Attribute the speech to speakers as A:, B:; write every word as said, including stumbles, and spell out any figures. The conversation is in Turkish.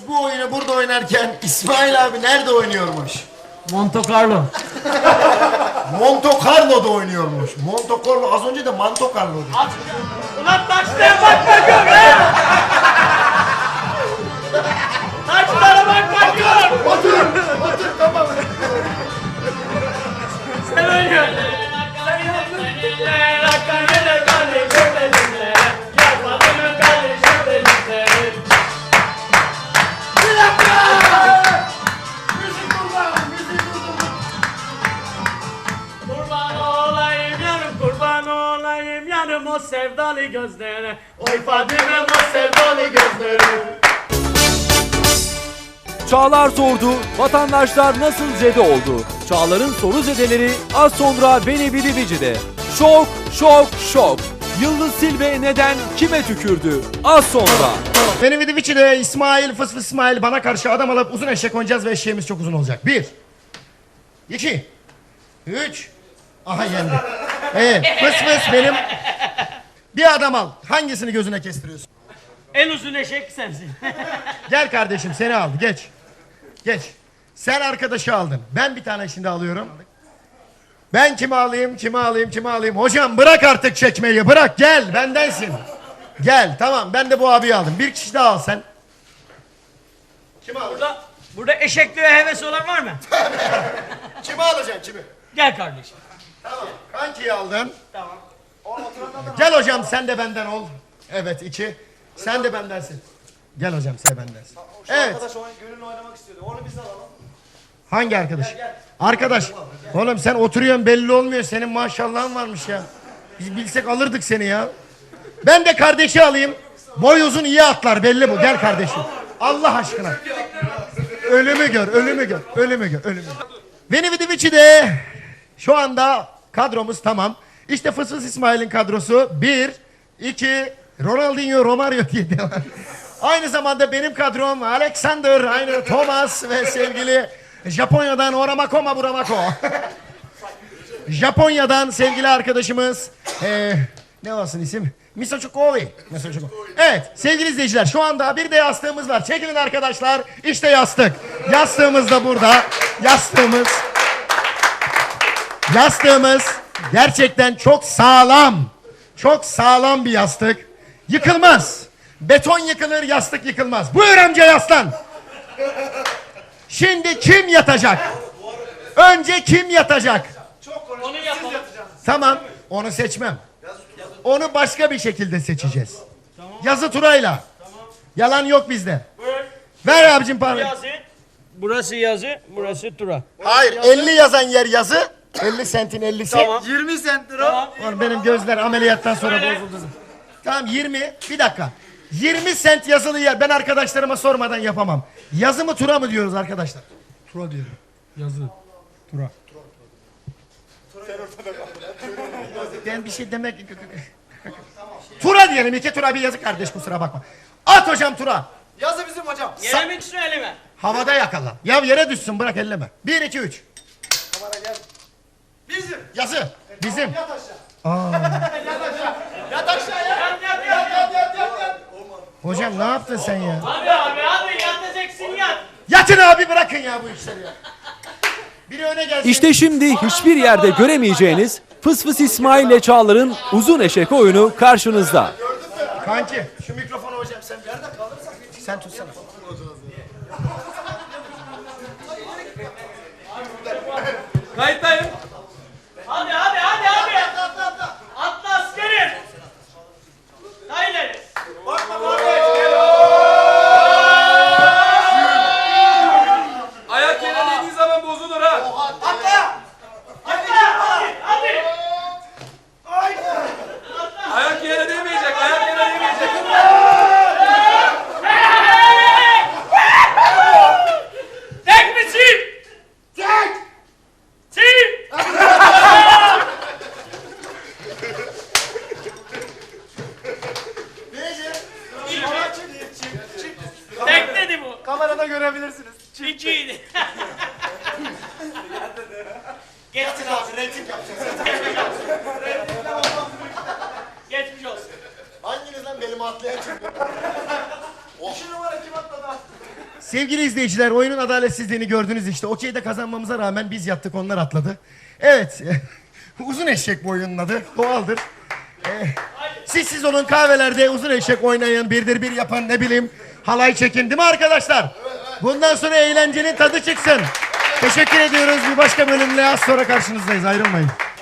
A: Biz bu oyunu burada oynarken İsmail abi nerede oynuyormuş?
B: Monte Carlo.
A: Monte Carlo'da oynuyormuş. Monte Carlo az önce de Manto Carlo'du.
B: Ulan taşlara bakma gör ha! Taşlara bakma gör!
A: Otur, otur tamam.
B: Sen oynuyorsun. Kurban olayım yarım, kurban olayım yarım o sevdalı gözlerine. Oy Fadime o sevdalı gözlerine.
C: Çağlar sordu, vatandaşlar nasıl zede oldu? Çağlar'ın soru zedeleri az sonra Beni Bili Bici'de. Şok, şok, şok. Yıldız Silve neden kime tükürdü? Az sonra.
A: Benim Vidiviçi'de İsmail, fıs fıs İsmail bana karşı adam alıp uzun eşek oynayacağız ve eşeğimiz çok uzun olacak. Bir. İki. Üç. Aha yendi. Evet, fıs fıs benim. Bir adam al. Hangisini gözüne kestiriyorsun?
B: En uzun eşek sensin.
A: Gel kardeşim seni aldı. Geç. Geç. Sen arkadaşı aldın. Ben bir tane şimdi alıyorum. Ben kimi alayım, kimi alayım, kimi alayım. Hocam bırak artık çekmeyi. Bırak gel bendensin. Gel tamam ben de bu abiyi aldım. Bir kişi daha al sen. Kimi alacaksın?
B: Burada, burada eşekliğe heves olan var mı?
A: Kimi alacaksın kimi?
B: Gel kardeşim.
A: Tamam. Kankiyi aldın.
B: Tamam.
A: Gel hocam sen de benden ol. Evet iki. Sen de bendensin. Gel hocam sen bendensin. Evet.
D: Arkadaş oyun, gönüllü oynamak istiyordu. Onu biz de alalım.
A: Hangi arkadaş? Arkadaş. Oğlum sen oturuyorsun belli olmuyor. Senin maşallahın varmış ya. Biz bilsek alırdık seni ya. Ben de kardeşi alayım. Boy uzun iyi atlar belli bu. Gel kardeşim. Allah aşkına. Ölümü gör, ölümü gör, ölümü gör, ölümü gör. Veni Vidi Vici de şu anda kadromuz tamam. İşte Fıs Fıs İsmail'in kadrosu. Bir, iki, Ronaldinho, Romario diye devam. Aynı zamanda benim kadrom Alexander, aynı Thomas ve sevgili Japonya'dan Oramakoma Buramako. Japonya'dan sevgili arkadaşımız ee, ne olsun isim? Misochukoi. Evet sevgili izleyiciler şu anda bir de yastığımız var. Çekilin arkadaşlar. İşte yastık. Yastığımız da burada. Yastığımız. Yastığımız gerçekten çok sağlam. Çok sağlam bir yastık. Yıkılmaz. Beton yıkılır, yastık yıkılmaz. Buyur amca yaslan. Şimdi kim yatacak? Önce kim yatacak?
B: Onu yapalım.
A: Tamam. Onu seçmem. Onu başka bir şekilde seçeceğiz. Yazı turayla. Yalan yok bizde.
B: Buyur.
A: Ver abicim parayı.
B: Yazı. Burası yazı, burası tura.
A: Hayır. elli yazan yer yazı. elli sentin ellisi.
B: Tamam.
D: yirmi sent lira.
B: Tamam.
A: Oğlum benim gözler ameliyattan sonra
B: Öyle.
A: bozuldu. Tamam yirmi. Bir dakika. yirmi sent yazılı yer. Ben arkadaşlarıma sormadan yapamam. Yazı mı tura mı diyoruz arkadaşlar?
E: Tura diyorum. Yazı. Tura.
A: Ben bir şey demek... Tura diyelim. İki tura bir yazı kardeş kusura bakma. At hocam tura.
D: Yazı bizim hocam.
B: Yere mi düşsün elime?
A: Havada yakala. Ya yere düşsün bırak elleme. Bir, iki, üç.
D: Kamera gel. Bizim.
A: Yazı. Bizim.
D: Yat aşağı.
B: Yat aşağıya. Yat yat yat yat yat yat. yat.
A: Hocam ne yaptın sen ya?
B: Abi abi abi yatacaksın yat.
A: Yatın abi bırakın ya bu işleri ya. Biri öne gelsin.
C: İşte şimdi hiçbir yerde göremeyeceğiniz Fıs Fıs İsmail ile Çağlar'ın uzun eşek oyunu karşınızda.
A: Kanki şu mikrofonu hocam sen bir yerde kalırsak sen tutsana.
B: Kayıttayım. Hadi hadi hadi hadi. Atla askerim. Haydi.
F: Ayak yere değdiği zaman bozulur ha.
D: Atla.
B: Hadi hadi.
F: Ayak yere değmeyecek, ayak yere değmeyecek.
B: Tek misin?
D: Tek.
B: Sil. Tek dedi bu.
D: Kamerada görebilirsiniz.
B: İkiydi. Geçmiş olsun.
A: Reyting yapacağız.
B: Geçmiş olsun.
A: Hanginiz lan benim atlayan çıktı?
D: İki numara kim atladı?
A: Sevgili izleyiciler, oyunun adaletsizliğini gördünüz işte. Okey'de kazanmamıza rağmen biz yattık, onlar atladı. Evet. Uzun eşek bu oyunun adı. Doğaldır. Ee, siz siz olun, kahvelerde uzun eşek oynayın, birdir bir yapın, ne bileyim halay çekin, değil mi arkadaşlar? Bundan sonra eğlencenin tadı çıksın. Teşekkür ediyoruz. Bir başka bölümle az sonra karşınızdayız. Ayrılmayın.